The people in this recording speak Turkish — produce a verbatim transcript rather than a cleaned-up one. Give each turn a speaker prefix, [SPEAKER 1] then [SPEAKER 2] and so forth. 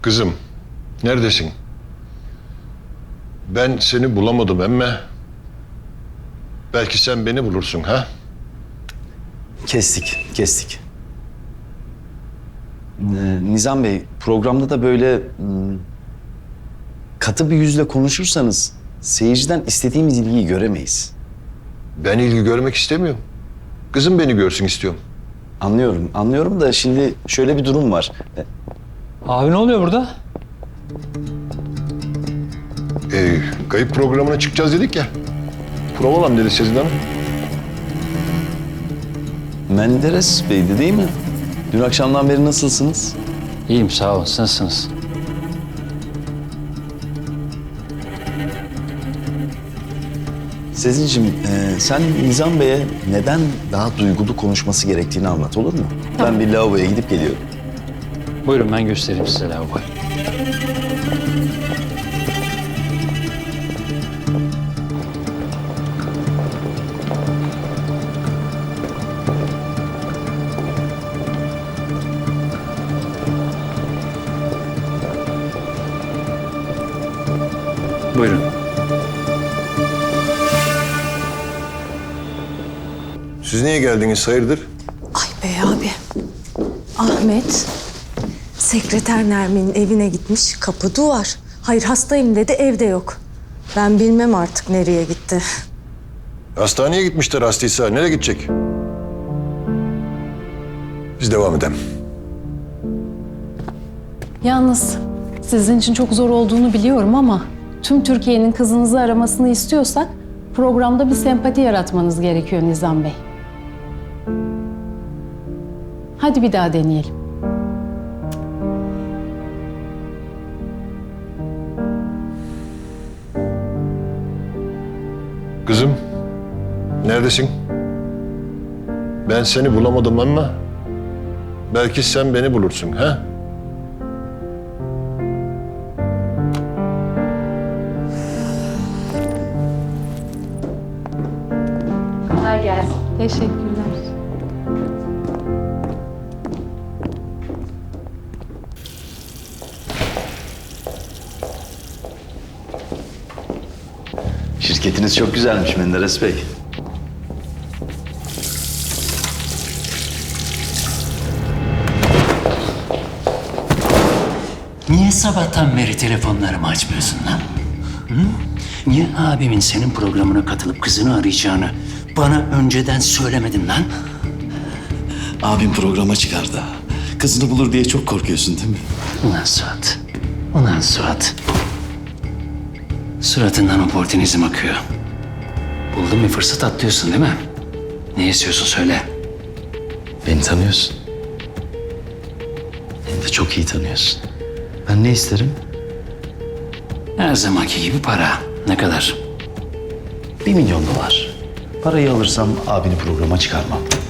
[SPEAKER 1] Kızım, neredesin? Ben seni bulamadım emme. Belki sen beni bulursun ha?
[SPEAKER 2] Kestik, kestik. Ee, Nizam Bey, programda da böyle hmm, katı bir yüzle konuşursanız seyirciden istediğimiz ilgiyi göremeyiz.
[SPEAKER 1] Ben ilgi görmek istemiyorum. Kızım beni görsün istiyorum.
[SPEAKER 2] Anlıyorum, anlıyorum da şimdi şöyle bir durum var. Ee,
[SPEAKER 3] Abi ne oluyor burada?
[SPEAKER 1] Ee, kayıp programına çıkacağız dedik ya. Provalam dedi Sezin Hanım.
[SPEAKER 2] Menderes Bey'di değil mi? Dün akşamdan beri nasılsınız?
[SPEAKER 3] İyiyim sağ olun. Siz nasılsınız?
[SPEAKER 2] Sezin'cim, e, sen Nizam Bey'e neden daha duygulu konuşması gerektiğini anlat, olur mu? Ben bir lavaboya gidip geliyorum.
[SPEAKER 3] Buyurun ben göstereyim size lavaboyu. Buyurun.
[SPEAKER 1] Siz niye geldiniz hayırdır?
[SPEAKER 4] Ay bey abi. Ahmet, sekreter Nermin'in evine gitmiş, kapı duvar. Hayır hastayım dedi, evde yok. Ben bilmem artık nereye gitti.
[SPEAKER 1] Hastaneye gitmişler hastaysa. Nereye gidecek? Biz devam edelim.
[SPEAKER 5] Yalnız sizin için çok zor olduğunu biliyorum ama tüm Türkiye'nin kızınızı aramasını istiyorsak programda bir sempati yaratmanız gerekiyor Nizam Bey. Hadi bir daha deneyelim.
[SPEAKER 1] Kızım, neredesin? Ben seni bulamadım ama belki sen beni bulursun ha?
[SPEAKER 5] Kolay gelsin. Teşekkürler.
[SPEAKER 2] Şirketiniz çok güzelmiş Menderes Bey.
[SPEAKER 6] Niye sabahtan beri telefonlarımı açmıyorsun lan? Hı? Niye abimin senin programına katılıp kızını arayacağını bana önceden söylemedin lan?
[SPEAKER 2] Abim programa çıkardı. Kızını bulur diye çok korkuyorsun değil mi?
[SPEAKER 6] Ulan Suat, ulan Suat. Suratından oportunizm akıyor. Buldun bir fırsat atlıyorsun değil mi? Ne istiyorsun söyle.
[SPEAKER 2] Beni tanıyorsun. Beni de çok iyi tanıyorsun. Ben ne isterim?
[SPEAKER 6] Her zamanki gibi para. Ne kadar?
[SPEAKER 2] Bir milyon dolar. Parayı alırsam abini programa çıkarmam.